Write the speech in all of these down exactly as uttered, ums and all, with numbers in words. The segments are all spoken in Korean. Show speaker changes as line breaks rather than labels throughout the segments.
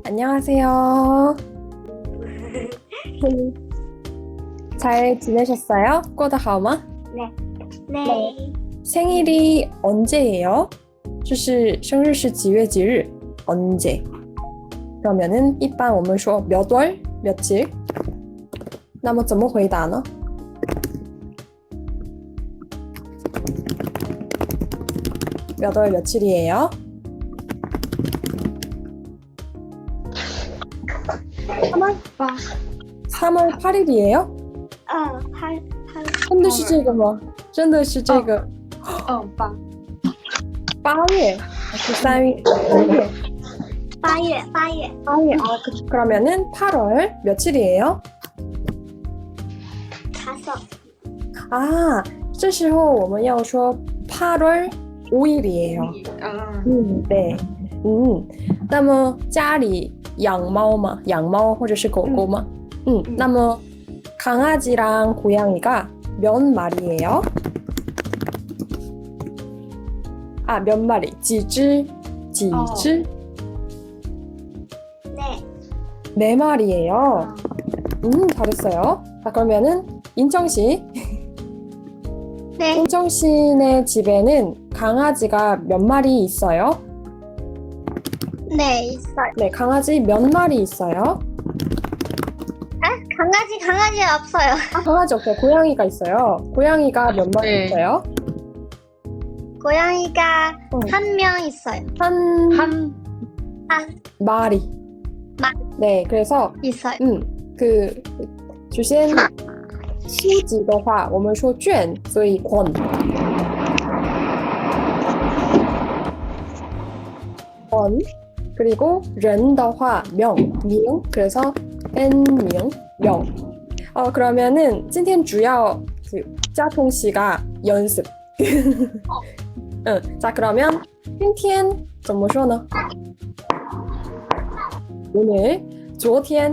안녕하세요. 잘 지내셨어요? 过得好吗?
네. 네.
생일이 언제예요? 就是生日是几月几日? 언제? 그러면은 一般我们说 몇 월? 며칠? 那么怎么回答呢? 몇 월 며칠이에요? 삼월? 삼월 팔일이에요?
呃，拍拍
真的是这个吗？真的是这个
哦八
八月还是三月？三月
八月八月
八月 아, 그, 그러면은 팔월 며칠이에요?
다섯
아, 这时候我们要说팔월 오일이에요.
아
음, 네. 음, 那么家里养猫吗？养猫或者是狗狗吗？ 음,
음.
那么 강아지랑 고양이가 몇 마리예요? 아, 몇 마리? 几只? 几只?
네.
네 마리예요. 음, 잘했어요. 자, 그러면은 인정 씨.
네.
인정 씨네 집에는 강아지가 몇 마리 있어요?
네 있어요.
네, 강아지 몇 마리 있어요?
아 강아지 강아지 없어요.
아, 강아지 없어요. 고양이가 있어요. 고양이가 몇 마리
네.
있어요?
고양이가
어.
한 명 있어요.
한
한
한
마리.
마-
네, 그래서
있어요.
嗯，그首先书籍的话，我们说卷，所以권。권 그리고 人的话명 명 그래서 n 명 명. 어 그러면은 今天主要그 짜통 씨가 연습. 응, 자 그러면 今天怎么说呢? 오늘 昨天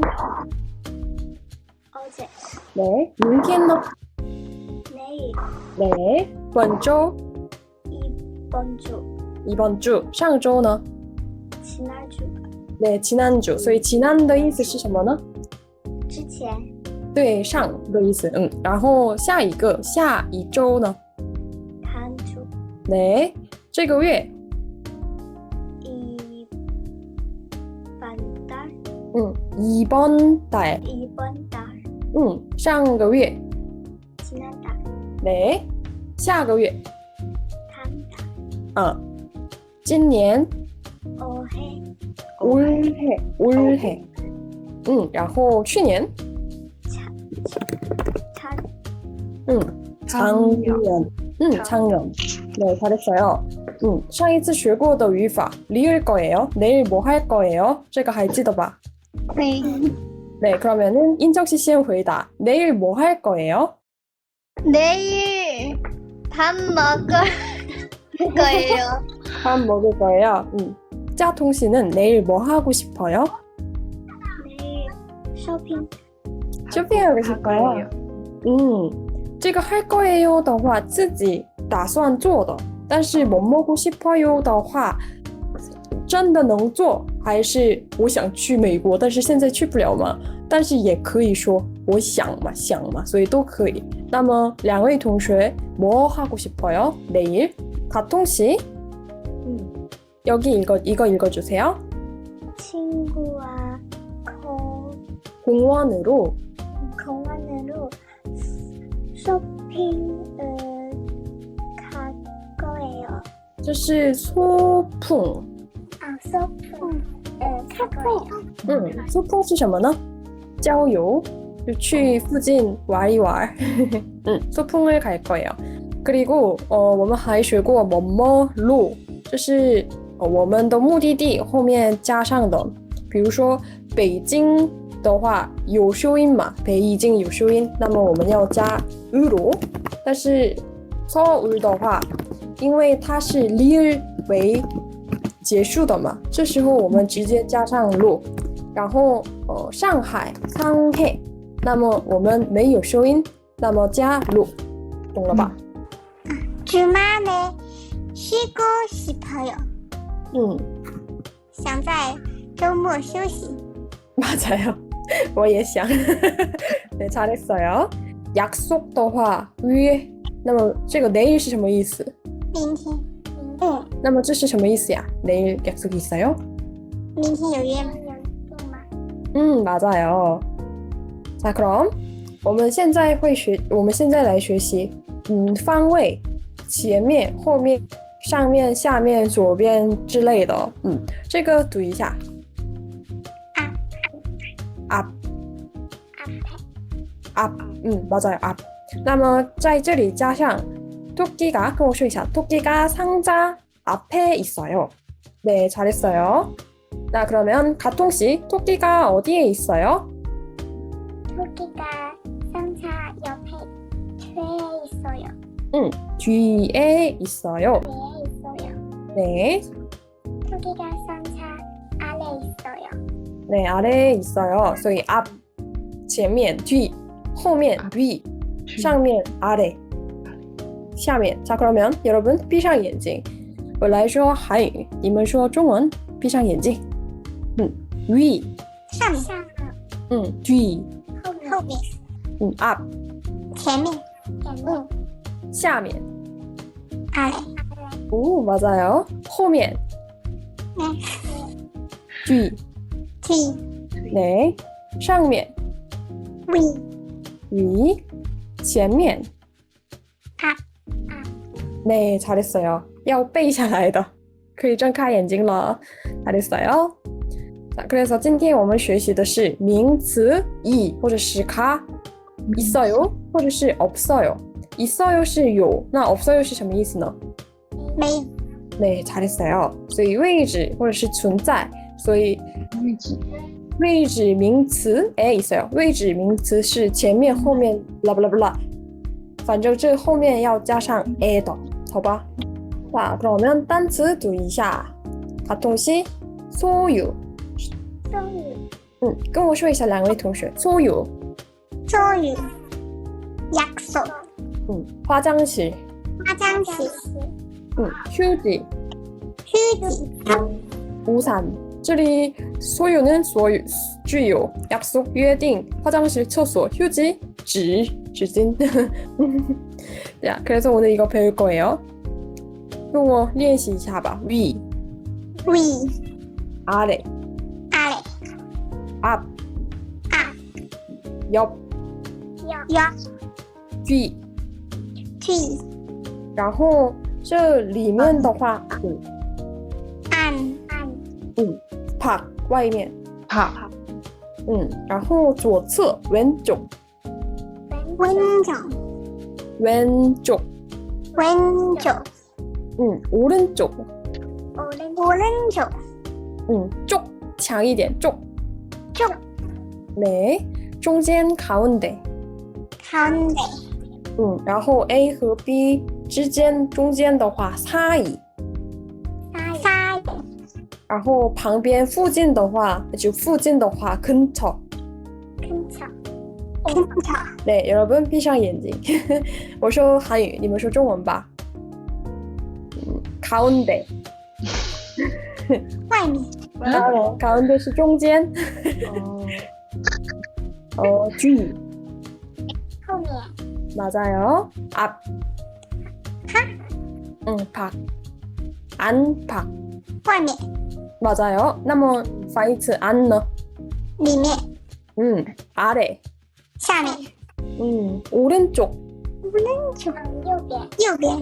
어제
네, 明天呢?
내일
네, 本周
이번 주
이번 주 上周呢?
지난주
네, 지난주. 所以지난的意思是什么呢?
之前
对，上的意思。嗯，然后下一个下一周呢?
다음 주
네, 这个月
이번 달
음, 이번 달.
이번 달
음, 上个月
지난달
네, 下个月
다음 달
啊，今年
올해
올해 올해 음, 然后去年
차
음, 작년 음, 작년 네, 잘했어요. 음, 上一次学过的语法 리을 거예요. 내일 뭐 할 거예요? 这个还记得吧?
네.
네, 그러면은 인정씨先回答 내일 뭐 할 거예요?
내일 밥 먹을 거예요.
밥 먹을 거예요. 음. 짜통 씨는 내일 뭐 하고 싶어요?
내일 쇼핑
쇼핑하고 싶어요. 음, 这个할 거예요 的话自己打算做的，但是뭐 먹고 싶어요 的话真的能做，还是我想去美国，但是现在去不了嘛？但是也可以说我想嘛，想嘛，所以都可以。那么两位同学뭐 하고 싶어요? 내일? 가통 씨
음.
여기 읽어 이거 읽어주세요.
친구와 공,
공원으로
공원으로 쇼핑을 갈 거예요.
这是소풍。
아, 쇼핑을 갈 거예요.
음, 소풍 是什么呢？郊游，就去附近玩一玩。嗯， 소풍을 갈 거예요. 그리고 어, 我们还学过뭐뭐路，就是呃我们的目的地后面加上的。比如说北京的话有修音嘛，北已经有修音，那么我们要加으로。但是서울的话，因为它是리을为结束的嘛，这时候我们直接加上로。然后呃上海상해，那么我们没有收音，那么加로，懂了吧？
주말에 쉬고 싶어요.
음,
想在周末休息。
맞아요. 我也想. 네, 잘했어요. 약속 的话约那么这个 내일 是什么意思?
明天。嗯，
那么这是什么意思呀? 내일 약속이 있어요?
明天有约吗？有吗？
음, 맞아요. 자, 그럼 我们现在会学我们现在来学习嗯方位前面后面上面下面左边之类的嗯这个读一下
앞.
앞 앞 음 맞아요 앞 那么在这里加上 토끼가 跟我说一下 토끼가 상자 앞에 있어요. 네, 잘했어요. 자, 그러면 가통씨 토끼가 어디에 있어요?
토끼가 상자 옆에 뒤에 있어요.
응, 뒤에 있어요.
뒤에 있어요.
네,
토끼가 상자 아래 있어요.
네, 아래에 있어요. 所以 앞, 前面, 뒤, 后面, 위, 上面, 아래, 下面. 자, 그러면 여러분 闭上眼睛我来说韩语你们说中文闭上眼睛 음, 위,
上面。上面。
음, 뒤,
后面。后面。
음, 앞,
前面。前面。
下面.
아래.
오, 맞아요. 后面,
네.
뒤,
뒤.
네, 上面,
위.
위, 前面.
앞.
네, 잘했어요. 要背下来的可以睁开眼睛了 잘했어요. 자, 그래서 今天我们学习的是名词 이 或者是가 있어요 或者是없어요. 있어요 是有那없어요是什么意思呢?
没有。
네, 잘했어요. 所以位置或者是存在所以
位置
位置名词 에 있어요. 位置名词是前面后面 blah blah blah 反正这后面要加上 에的好吧? 자, 그러면 단词读一下 가통씨 소유
周瑜。
嗯跟我说一下两位同学 소유
周瑜。약속.
음 화장실
화장실.
음 휴지
휴지.
우산 这里 소유는 소유 具有 약속 约定 화장실厕所 휴지 纸 纸巾 자, 그래서 오늘 이거 배울 거예요. 跟我练习一下吧 위
위.
아래
아래.
앞
앞.
옆
옆.
뒤
뒤.
然后这里面的话嗯
안. 안.
음 밖外面
파
음然后左侧 왼쪽
왼쪽.
왼쪽
왼쪽.
음 오른쪽
오른쪽.
음 쪽强一点 쪽
쪽.
네 中间 가운데
가운데.
嗯然后 A 和 B 之间中间的话 사이
사이.
然后旁边附近的话就附近的话 근처
근처. 근처.
네 여러분 闭上眼睛我说韩语你们说中文吧 음, 가운데
外面。
어, 가운데 是中间 어, 뒤
后面。
맞아요 앞 응, 밖 안팎
外面。
맞아요 那么反义词 안呢
里面。
음, 아래
下面。
음, 오른쪽
오른쪽. 右边。右边。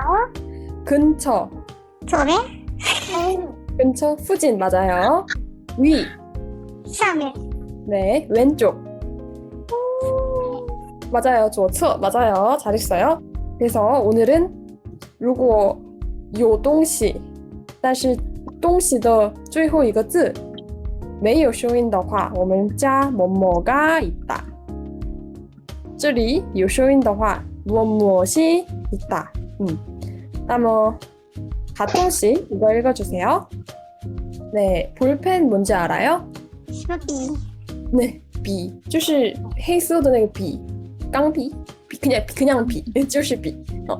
근처
左边。
근처 附近 맞아요 위
上面。
네, 왼쪽 맞아요 左侧 맞아요 잘했어요 그래서 오늘은 如果有东西但是东西的最后一个字没有收音的话我们加 뭐뭐가 있다 这里有收音的话 무엇무엇이 있다 음. 那么 가통씨 이거 읽어주세요 네 볼펜 뭔지 알아요?
什么笔？
네笔就是黑色的那个笔钢笔 비, 그냥, 그냥 비, 就是笔 어,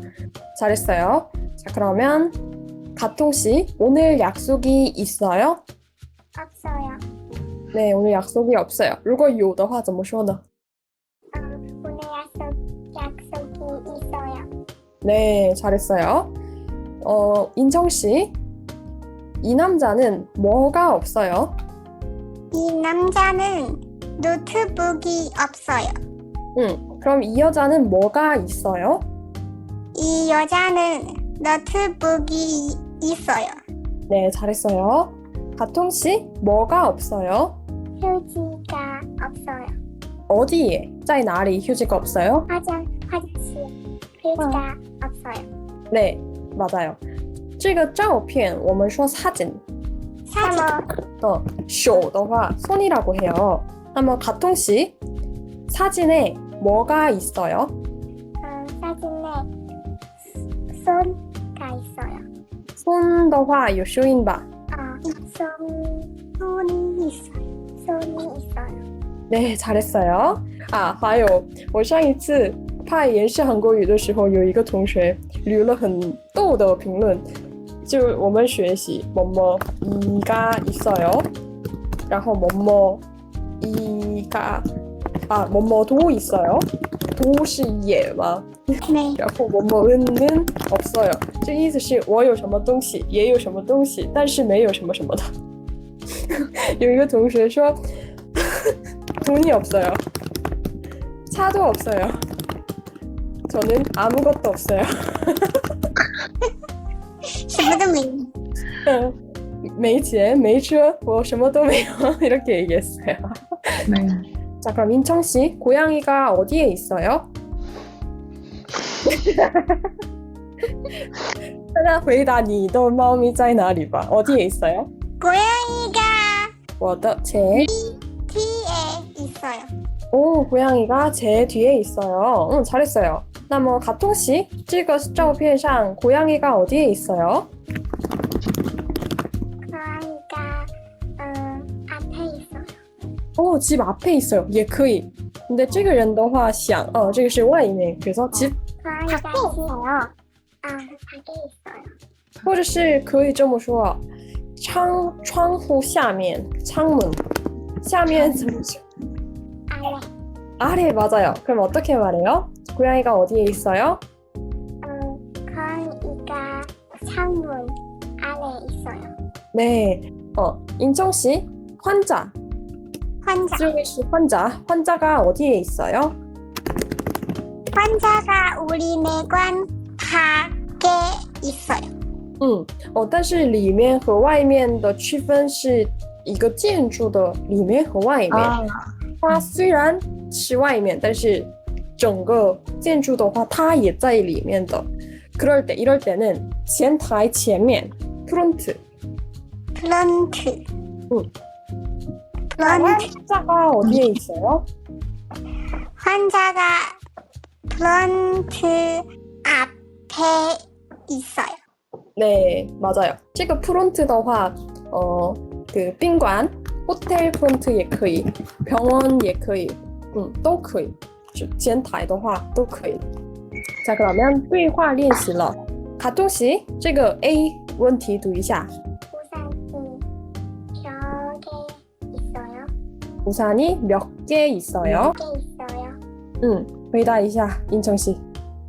잘했어요 자 그러면 가통씨 오늘 약속이 있어요?
없어요.
네, 오늘 약속이 없어요. 如果有的话怎么说呢？
어, 오늘 약속, 약속이 있어요.
네, 잘했어요. 어, 인정 씨, 이 남자는 뭐가 없어요?
이 남자는 노트북이 없어요.
응, 그럼 이 여자는 뭐가 있어요?
이 여자는 노트북이 있어요.
네, 잘했어요. 가통 씨, 뭐가 없어요?
휴지가 없어요.
어디에? 在哪里 휴지가 없어요?
화장, 화장실 휴지가 없어요.
네, 맞아요. 这个照片我们说사진,
사진,
어, 手的话 손이라고 해요. 那么 가통 씨, 사진에 뭐가 있어요?
어, 사진에 손가 있어요.
손的话有收音吧?
어, 손, 손이 있어요. 손이 있어요.
네, 잘했어요. 啊，还有我上一次拍延世韩国语的时候，有一个同学留了很逗的评论，就我们学习뭐뭐이가 있어요，然后뭐뭐이가啊뭐뭐도 있어요，도是也吗？
네.
然后뭐뭐은는 없어요，这意思是我有什么东西，也有什么东西，但是没有什么什么的。有一个同学说。 돈이 없어요. 차도 없어요. 저는 아무것도 없어요.
什么都没有.
没钱, 没车, 뭐 什么都没有. 이렇게 얘기했어요.
네.
자, 그럼 인청 씨, 고양이가 어디에 있어요? 大家回答你的猫咪在哪里吧. 어디에 있어요?
고양이가
我的제
뒤에 있어요.
오, 고양이가 제 뒤에 있어요. 응, 잘했어요. 那么 가통 씨, 这个照片上 고양이가 어디에 있어요?
고양이가 어, 앞에 있어요.
오, 집 앞에 있어요. 也可以. 근데 这个人的话想, 어, 这个是外面. 그래서 집,
고양이가 있어요. 아, 밖에 있어요.
或者是可以这么说, 창, 窗户下面, 창문. 下面怎么说?
아래.
아래 맞아요. 그럼 어떻게 말해요? 고양이가 어디에 있어요?
어, 고양이가 창문 아래 있어요.
네. 어, 인청 씨, 환자.
환자.
这位是 환자. 환자가 어디에 있어요?
환자가 우리 내관 밖에 있어요.
嗯，哦，但是里面和外面的区分是一个建筑的里面和外面。
아,
它虽然是外面，但是整个建筑的话，它也在里面的。그럴 때, 이럴 때는前台前面 프론트.
프론트.
응.
프론트.
환자가 어디에 있어요?
환자가 프론트 앞에 있어요.
네, 맞아요. 这个 프론트 的话, 어, 그宾馆, 호텔 프론트 也可以, 병원 也可以, 음, 都可以. 前台的话都可以. 자, 그러면 对话练习了. 가통 씨, 这个 A 问题读一下.
우산이 몇 개 있어요?
우산이 몇 개 있어요?
몇 개 있어요?
응, 回答一下, 인청 씨.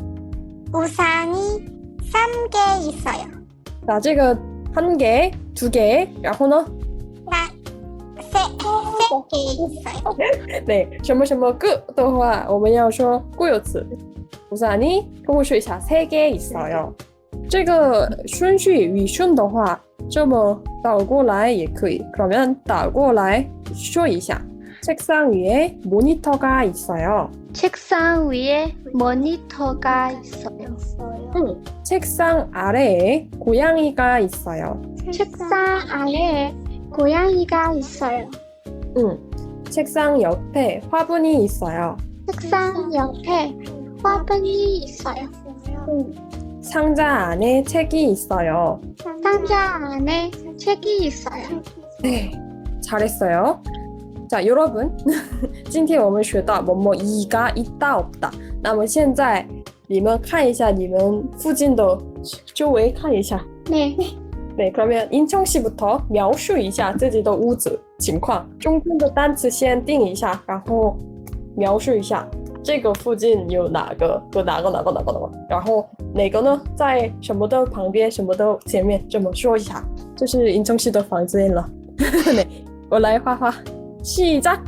우산이 삼 개 있어요.
자, 这个 한 개, 두 개, 然后呢?
나 세, 세 개 있어요.
네, 什么什么个的话我们要说固有词. 우산이 跟我说一下, 세 개 있어요. 这个顺序语顺的话这么倒过来也可以. 그러면 倒过来说一下. 책상 위에 모니터가 있어요.
책상 위에 모니터가 있어요.
응. 책상 아래에 고양이가 있어요.
책상 아래에 고양이가 있어요.
응. 책상 옆에 화분이 있어요.
책상 옆에 화분이 있어요.
상자 안에 책이 있어요.
상자 안에 책이 있어요.
네, 잘했어요. 자, 여러분, 今天我们学到뭐뭐 이가 있다 없다. 那么现在你们看一下你们附近的周围看一下.
네.
네, 그러면 인청 씨부터 描述一下自己的屋子情况，中间的单词先定一下，然后描述一下这个附近有哪个和哪个哪个哪个哪个，然后哪个呢在什么的旁边，什么的前面，这么说一下。这是인청 씨的房间了。네, 我来画画。 시작!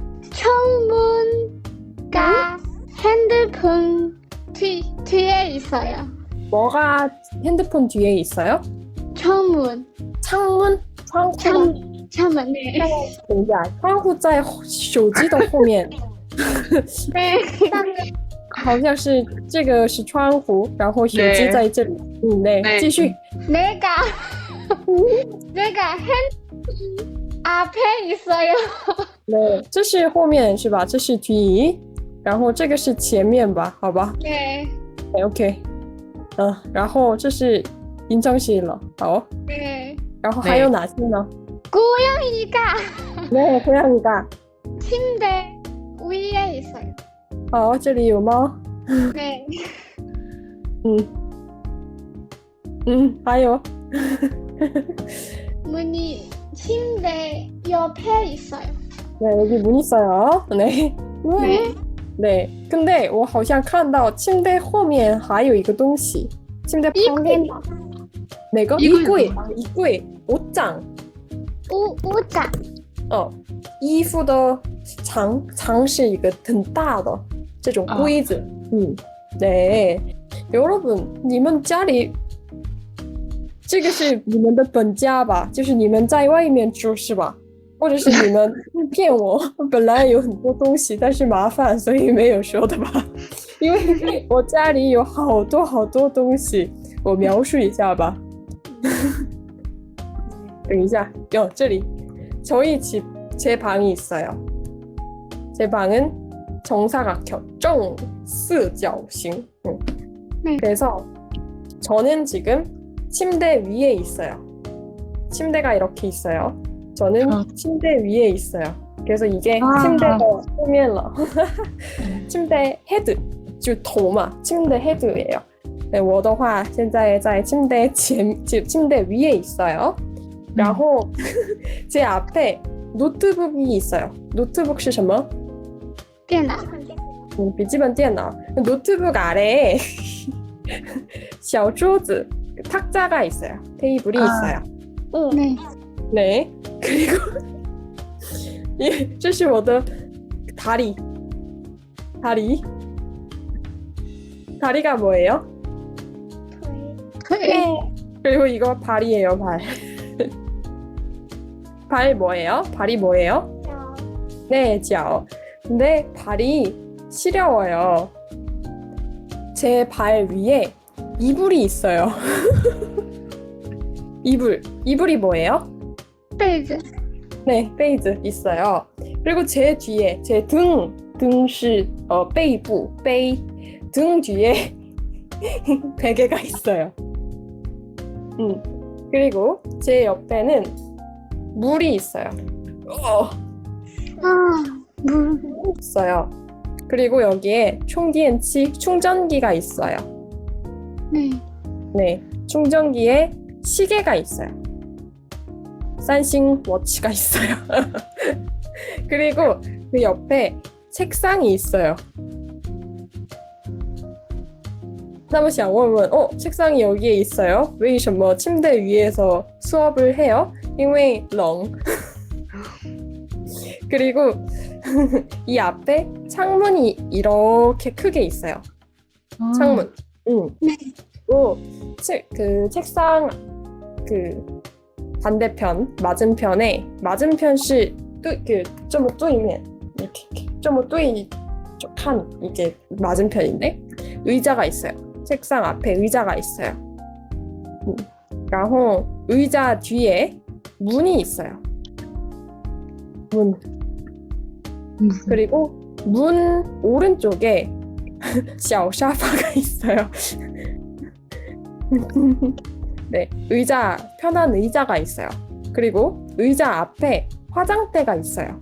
창문과 핸드폰 뒤, 뒤에 있어요.
뭐가 핸드폰 뒤에 있어요?
창문.
창문?窗户
창, 창문. 네.
等一下，窗户在手机的后面，
네.
好像是这个是窗户，然后手机在这里。嗯，对，
对
继续。
내가 내가 핸드폰 앞에 있어요.
对，这是后面是吧？这是뒤，然后这个是前面吧？好吧
네.
，OK， 嗯，然后这是인청 씨了，好，
네.
然后还有哪些呢？
고양이가
네, 고양이가.
침대 위에 있어요.
好，这里有猫。
네.
嗯，嗯，还有。
문이 침대 옆에 있어요.
네, 여기 문 있어요. 네.
네.
네. 근데 我好像看到침대后面还有一个东西。침대旁边哪个？
衣柜。
衣柜啊，衣柜，옷장。
우, 우자.
哦，衣服的长长是一个很大的这种柜子。嗯，对。여러분，你们家里这个是你们的本家吧？就是你们在外面住是吧？或者是你们骗我，本来有很多东西，但是麻烦，所以没有说的吧？因为我家里有好多好多东西，我描述一下吧。等一下，哟，这里저희 집 제 방이 있어요. 제 방은 정사각형, 정四角形. 응.
네.
그래서 저는 지금 침대 위에 있어요. 침대가 이렇게 있어요. 저는
어.
침대 위에 있어요. 그래서 이게
아.
침대가 후면러. 침대 헤드, 就头嘛, 침대 헤드예요. 네, 我的话现在在침대前, 침대 위에 있어요. 然后 제 앞에 노트북이 있어요. 노트북 是什么?
电脑.
음, 笔记本电脑. 노트북 아래에 小桌子, 탁자가 있어요. 테이블이
아.
있어요. 응.
네.
네. 그리고 예, 这是我的 다리. 다리. 다리가 뭐예요?
네.
그리고 이거 발이에요, 발. 발 뭐예요? 발이 뭐예요? 네, 脚. 근데 발이 시려워요. 제 발 위에 이불이 있어요. 이불. 이불이 뭐예요?
被子.
네, 베이즈 있어요. 그리고 제 뒤에 제 등, 등是 어, 背部, 背, 등 뒤에 베개가 있어요. 음. 그리고 제 옆에는 물이 있어요. 어,
아, 물.
있어요. 그리고 여기에 충전기, 충전기가 있어요.
네.
네, 충전기에 시계가 있어요. 산싱 워치가 있어요. 그리고 그 옆에 책상이 있어요. 那么想问问, 어, 책상이 여기에 있어요? 为什么 침대 위에서 수업을 해요? 因为冷. 그리고 이 앞에 창문이 이렇게 크게 있어요. 창문. 응. 그리고 책, 그 책상 그 반대편 맞은편에 맞은편是 그 좀对面 이렇게 좀对한 이게 맞은편인데 의자가 있어요. 책상 앞에 의자가 있어요. 음. 然后 의자 뒤에 문이 있어요. 문. 그리고 문 오른쪽에 小沙发가 있어요. 네, 의자, 편한 의자가 있어요. 그리고 의자 앞에 화장대가 있어요.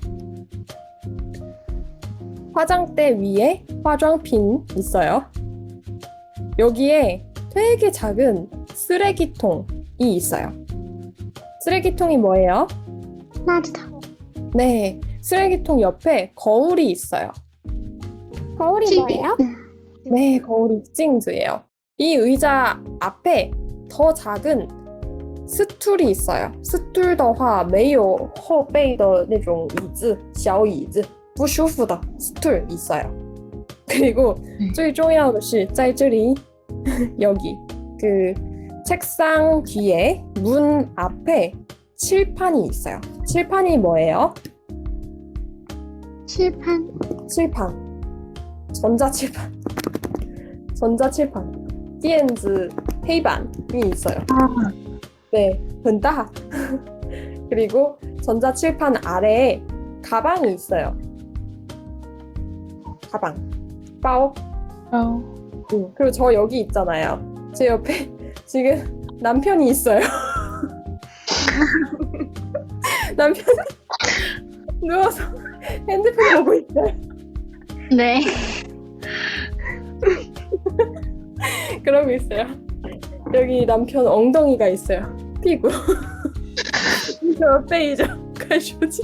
화장대 위에 화장핀 있어요. 여기에 되게 작은 쓰레기통이 있어요. 쓰레기통이 뭐예요?
垃圾桶，
네, 쓰레기통 옆에 거울이 있어요.
거울이
镜
뭐예요?
子，
네, 거울이 찡즈예요. 이 의자 앞에 더 작은 스툴이 있어요. 스툴 的话没有后背的那种椅子小椅子不舒服的 스툴 있어요. 그리고
네.
最重要的是在这里 여기 그 책상 뒤에 문 앞에 칠판이 있어요. 칠판이 뭐예요?
吃pan，
칠판. 전자칠판. 전자칠판. 电子 黑板이 있어요. 네, 很大. 그리고 전자칠판 아래에 가방이 있어요. 가방. 包.
어.
응. 그리고 저 여기 있잖아요. 제 옆에 지금 남편이 있어요. 남편이 누워서 핸드폰 보고 있어요.
네.
그러고 있어요. 여기 남편 엉덩이가 있어요. 피구. 저 빼이죠. 가쇼지.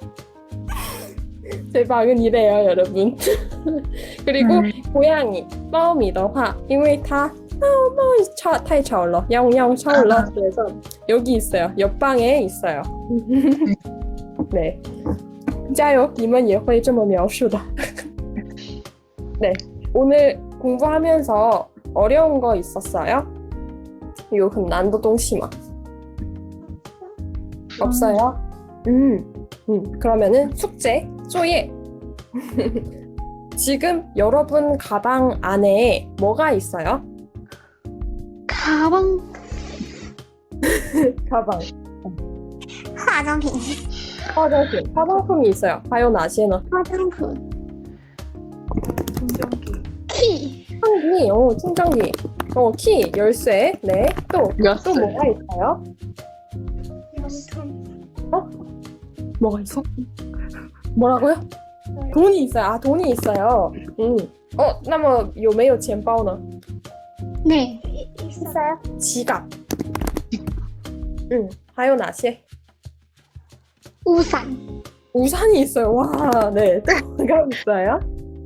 제 방은 이래요, 여러분. 그리고
음.
고양이, 猫咪的话因为它太吵了야옹야옹吵了 그래서 여기 있어요. 옆방에 있어요. 네. 加油你们也会这么描述的 네. 오늘 공부하면서 어려운 거 있었어요? 有很难的东西吗? 없어요? 음, 음. 그러면은 숙제, 作业 지금 여러분 가방 안에 뭐가 있어요?
가방,
가방,
化妆品，
화장품, 화장품이 있어요. 还有哪些呢?
化妆品
충전기.
key,
충전기, 어, 충전기, 어, 키, 열쇠, 네. 또, 또
열쇠.
뭐가 있어요? 뭐가 있어? 뭐라고요? 돈이 있어요. 아, 돈이 있어요. 음. 어, 那么有没有钱包呢?
네.
있어요?
지갑. 음, 还有哪些?
우산,
우산이 있어요. 와, 네. 또 뭐가 있어요?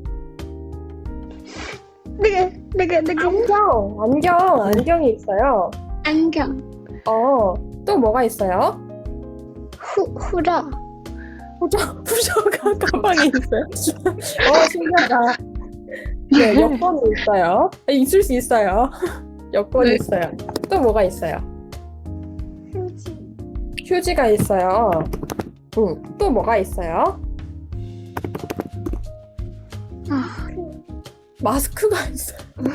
那个那个那个
안경, 안경, 안경이 있어요.
안경,
어, 또 뭐가 있어요?
护护照,
후저, 후저가 가방에 있어요. 어, 신기하다. 네, 여권이 있어요. 아, 있을 수 있어요. 여권이
네.
있어요. 또 뭐가 있어요?
휴지,
휴지가 있어요. 응, 또 뭐가 있어요?
아,
마스크가 있어요.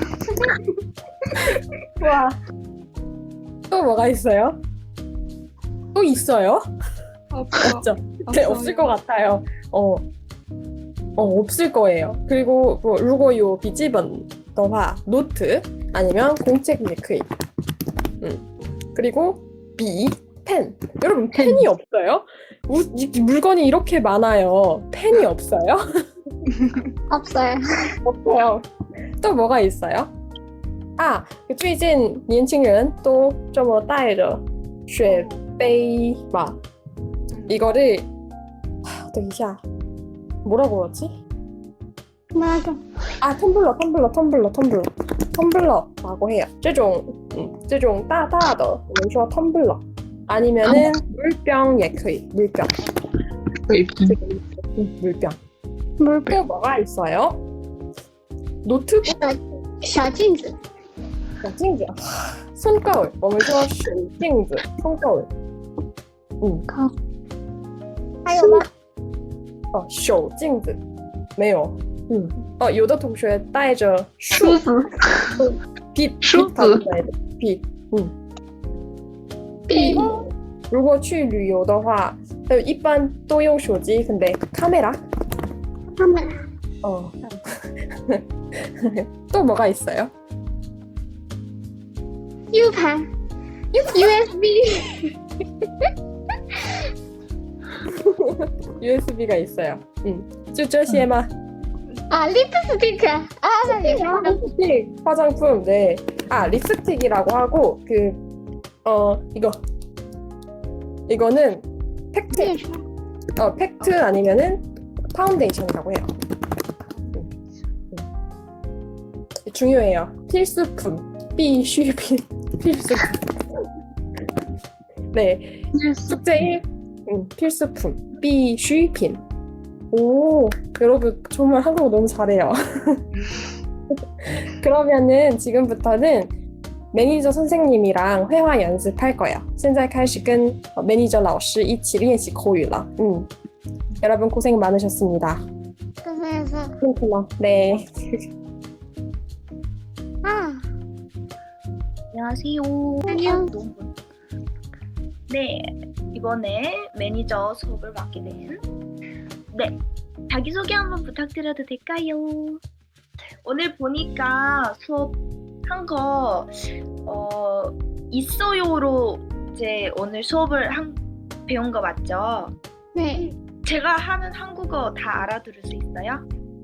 와. 또 뭐가 있어요? 또 있어요?
없어.
없죠? 네, 없을 것 같아요. 어, 어 없을 거예요. 그리고 뭐, 如果有笔记本的话, 노트 아니면 공책 밀크이. 음. 그리고 비, 펜. 여러분 펜이 없어요? 우, 이, 물건이 이렇게 많아요. 펜이 없어요?
없어요.
없어요. 또 뭐가 있어요? 아, 最近年轻人都这么带着水杯吧. 이거를 하, 等一下 뭐라고 하지?
맞아.
아, 텀블러, 텀블러, 텀블러, 텀블러, 텀블러라고 해요. 这种, 음, 这种大大的我们说 텀블러. 아니면은 물병 也可以, 물병.
웨이핑.
음, 물병.
물
또 뭐가 있어요? 노트북,
小镜子,
小镜子, 손거울. 我们说水镜子, 손거울. 음,
还有吗？
哦，手镜子没有。嗯，哦，有的同学带着
梳子。
笔
梳子
笔，嗯，
笔,
如果去旅游的话，呃，一般都用手机，근데 카메라.
카메라,
어. 또 뭐가 있어요?
유판, 유에스비,
유에스비가 있어요. 음, 就这些吗?
아, 립스티크. 아, 나 이거.
립스틱, 화장품, 네. 아, 립스틱이라고 하고 그, 어, 이거 이거는 팩트,
列传
어, 팩트 아니면은 파운데이션이라고 해요. 음. 음. 중요해요. 필수품, 必需品, 필수품. 네, 숙제 일, 음, 필수품, 必需品. 오, 여러분 정말 한국어 너무 잘해요. 그러면은 지금부터는 매니저 선생님이랑 회화 연습할 거예요. 现在开始跟 매니저 老师一起练习口语了. 음. 여러분 고생 많으셨습니다.
그래서
그렇구나. 네.
아
안녕하세요.
안녕.
너무- 네, 이번에 매니저 수업을 맡게 된 네, 자기소개 한번 부탁드려도 될까요? 오늘 보니까 수업 한 거 어, 있어요로 이제 오늘 수업을 한, 배운 거 맞죠?
네
제가 하는 한국어 다 알아들을 수 있어요?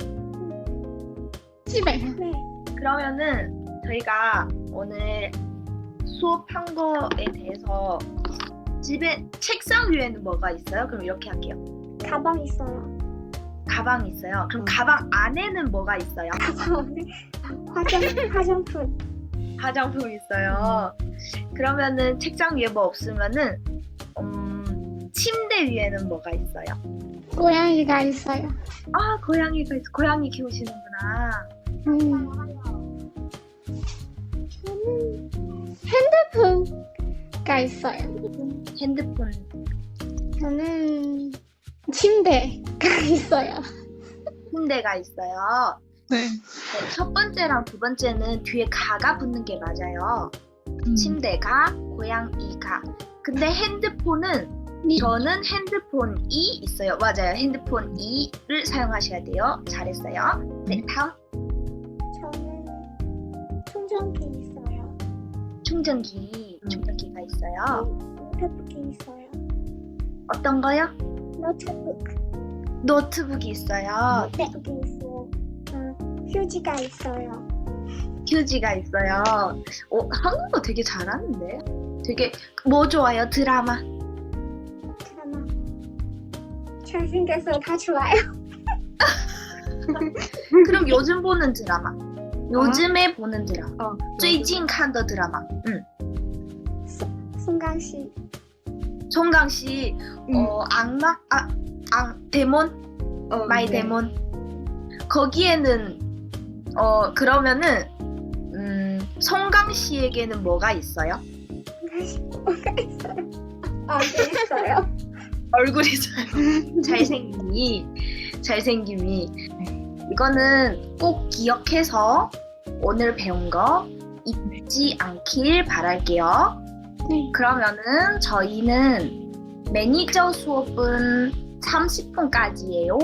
基本上
네.
그러면은 저희가 오늘 수업한 거에 대해서 집에 책상 위에는 뭐가 있어요? 그럼 이렇게 할게요.
가방 있어요.
가방 있어요. 그럼 가방 안에는 뭐가 있어요?
가방 안에 화장 화장품.
화장품 있어요. 그러면은 책상 위에 뭐 없으면은 음, 침대 위에는 뭐가 있어요?
고양이가 있어요.
아 고양이가 있어. 고양이 키우시는구나.
음. 저는 핸드폰가 있어요.
핸드폰.
저는 침대가 있어요.
침대가 있어요.
네.
네, 첫 번째랑 두 번째는 뒤에 가가 붙는 게 맞아요.
음.
침대가, 고양이가. 근데 핸드폰은
니.
저는 핸드폰이 있어요. 맞아요. 핸드폰 이를 사용하셔야 돼요. 잘했어요. 네, 다음
저는 충전기 있어요.
충전기. 충전기가 있어요.
노트북이 있어요.
어떤 거요?
노트북.
노트북이 있어요.
노트북이 있어요. 어, 휴지가 있어요.
휴지가 있어요. 어, 한국어 되게 잘하는데? 되게 뭐 좋아요? 드라마.
드라마. 잘생겨서 다 좋아요.
그럼 요즘 보는 드라마. 요즘에 보는 드라마.
어,
最近看的 드라마. 응.
송강 씨.
송강 씨, 어, 악마? 아, 악, 데몬?
어,
마이
네.
데몬. 거기에는, 어, 그러면은, 음, 송강 씨에게는 뭐가 있어요?
송강 씨 뭐가 있어요? 아, 네 있어요.
얼굴이 잘, 잘생김이, 잘생김이. 이거는 꼭 기억해서 오늘 배운 거 잊지 않길 바랄게요.
네.
그러면은 저희는 매니저 수업은 삼십 분까지예요.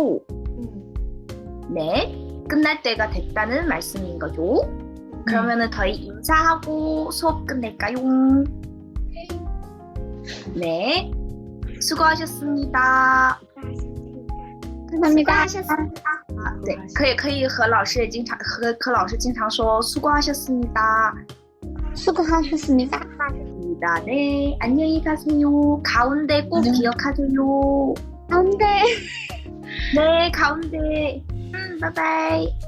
네, 끝날 때가 됐다는 말씀인 거죠. 그러면은 저희 인사하고 수업 끝낼까요? 네, 수고하셨습니다.
감사합니다.
수고하셨습니다.
啊，对，可以可以和老师也经常和和老师经常说수고하셨습니다.
수고하셨습니다.
입니다. 네, 안녕히 가세요. 가운데 꼭
안녕.
기억하세요.
안돼.
네, 가운데. 음, 바이바이.